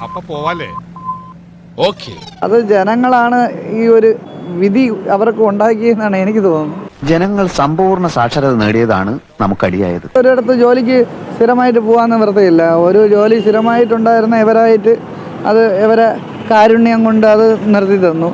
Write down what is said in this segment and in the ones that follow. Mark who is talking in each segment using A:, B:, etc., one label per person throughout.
A: അപ്പൊ പോവാലേ? ഓക്കേ.
B: അത് ജനങ്ങളാണ് ഈ ഒരു വിധി അവർക്ക് ഉണ്ടാക്കിയെന്നാണ് എനിക്ക് തോന്നുന്നത്.
C: ജനങ്ങൾ സമ്പൂർണ്ണ സാക്ഷരത നേടിയതാണ് നമുക്കടിയായത്.
B: ഒരിടത്ത് ജോലിക്ക് സ്ഥിരമായിട്ട് പോകാൻ നിവൃത്തിയില്ല. ഒരു ജോലി സ്ഥിരമായിട്ടുണ്ടായിരുന്ന ഇവരായിട്ട് അത് ഇവരെ കാരുണ്യം കൊണ്ട് അത് നിർത്തി തന്നു.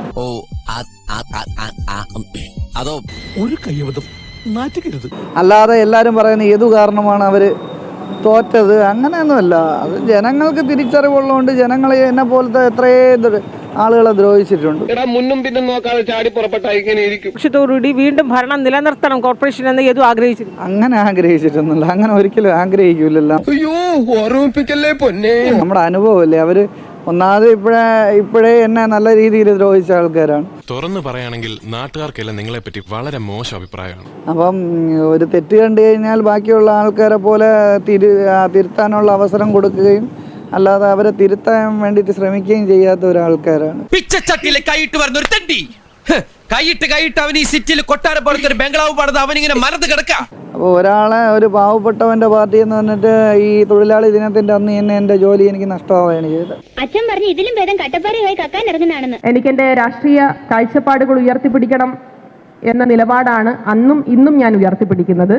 A: അതോ ഒരു കയ്യബദ്ധം നാറ്റിക്കരുത്.
B: അല്ലാതെ എല്ലാവരും പറയുന്ന ഏതു കാരണമാണ് അവര് തോറ്റത്, അങ്ങനെയൊന്നുമല്ല. അത് ജനങ്ങൾക്ക് തിരിച്ചറിവുള്ളതുകൊണ്ട് ജനങ്ങളെ എന്നെ പോലത്തെ എത്രയോ ആളുകളെ ദ്രോഹിച്ചിട്ടുണ്ട്.
D: മുന്നും പിന്നും നോക്കാതെ ചാടി പുറപ്പെട്ടായിരിക്കും.
E: ലക്ഷ്യത്തോടുകൂടി വീണ്ടും ഭരണം നിലനിർത്തണം കോർപ്പറേഷൻ എന്ന് ഏതു ആഗ്രഹിച്ചിരുന്നു.
B: അങ്ങനെ ആഗ്രഹിച്ചിട്ടൊന്നുമില്ല, അങ്ങനെ ഒരിക്കലും ആഗ്രഹിക്കൂലല്ലോ.
D: അയ്യോ ഓർമ്മിപ്പിക്കല്ലേ പൊന്നെ.
B: നമ്മുടെ അനുഭവമല്ലേ, അവര് ഒന്നാമത് ഇപ്പോഴേ എന്നെ നല്ല രീതിയിൽ ദ്രോഹിച്ച ആൾക്കാരാണ്.
F: തുറന്നു പറയുകയാണെങ്കിൽ നാട്ടുകാർക്കെല്ലാം നിങ്ങളെ പറ്റി വളരെ മോശം അഭിപ്രായമാണ്.
B: അപ്പം ഒരു തെറ്റ് കണ്ടു കഴിഞ്ഞാൽ ബാക്കിയുള്ള ആൾക്കാരെ പോലെ തിരുത്താനുള്ള അവസരം കൊടുക്കുകയും അല്ലാതെ അവരെ തിരുത്താൻ വേണ്ടിയിട്ട് ശ്രമിക്കുകയും ചെയ്യാത്ത ഒരാൾക്കാരാണ്.
G: പിച്ചച്ചട്ടിയിലെ കൈയിട്ട് വരുന്ന ഒരു തെണ്ടി കൈയിട്ട് അവൻ ഈ സിറ്റിയിൽ കൊട്ടാരം പോലത്തെ ഒരു ബംഗ്ലാവ് പണിത് അവനിങ്ങനെ മരത്ത് കിടക്ക.
B: അപ്പോൾ ഒരാളെ ഒരു പാവപ്പെട്ടവന്റെ പാർട്ടി എന്ന് പറഞ്ഞിട്ട് ഈ തൊഴിലാളി ദിനത്തിന്റെ അന്ന് തന്നെ എന്റെ ജോലി എനിക്ക് നഷ്ടമാവുകയാണ് ചെയ്തത്.
H: അച്ഛൻ പറഞ്ഞു ഇതിലും ഭേദം കട്ടപ്പാറയായി കക്കാൻ ഇറങ്ങുന്നതാണെന്ന്.
E: എനിക്ക് എന്റെ രാഷ്ട്രീയ കാഴ്ചപ്പാടുകൾ ഉയർത്തിപ്പിടിക്കണം എന്ന നിലപാടാണ് അന്നും ഇന്നും ഞാൻ ഉയർത്തിപ്പിടിക്കുന്നത്.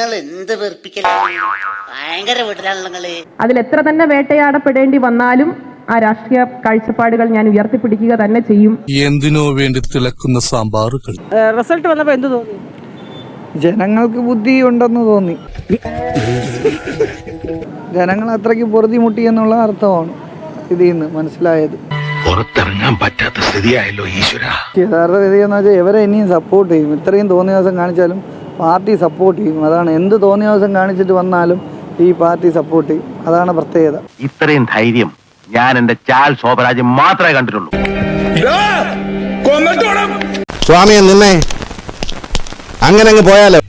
E: അതിൽ എത്ര തന്നെ വേട്ടയാടപ്പെടേണ്ടി വന്നാലും ആ രാഷ്ട്രീയ കാഴ്ചപ്പാടുകൾ ഞാൻ ഉയർത്തിപ്പിടിക്കുക തന്നെ ചെയ്യും.
A: എന്തിനോ വേണ്ടി തിളക്കുന്ന സാമ്പാറുകൾ.
E: റിസൾട്ട് വന്നപ്പോ എന്ത് തോന്നി?
B: ജനങ്ങൾക്ക് ബുദ്ധി ഉണ്ടെന്ന് തോന്നി. ജനങ്ങൾ അത്രയ്ക്ക് പൊറുതിമുട്ടി എന്നുള്ള അർത്ഥമാണ് ഇതിൽ നിന്ന് മനസ്സിലായത്.
C: പുറത്തിറങ്ങാൻ പറ്റാത്ത സ്ഥിതിയായല്ലോ ഈശ്വര.
B: യഥാർത്ഥ വിധി എന്ന് വെച്ചാൽ ഇവരെ ഇനിയും സപ്പോർട്ട് ചെയ്യും. ഇത്രയും തോന്നിയ ദിവസം കാണിച്ചാലും പാർട്ടി സപ്പോർട്ട് ചെയ്യും. അതാണ്, എന്ത് തോന്നിയ ദിവസം കാണിച്ചിട്ട് വന്നാലും ഈ പാർട്ടി സപ്പോർട്ട് ചെയ്യും. അതാണ് പ്രത്യേകത.
C: ഇത്രയും ധൈര്യം ഞാൻ എന്റെ ചാൽ ശോഭരാജ് മാത്രമേ കണ്ടിട്ടുള്ളൂ.
A: സ്വാമിയെ നിന്നെ അങ്ങനെ അങ്ങ് പോയാലോ.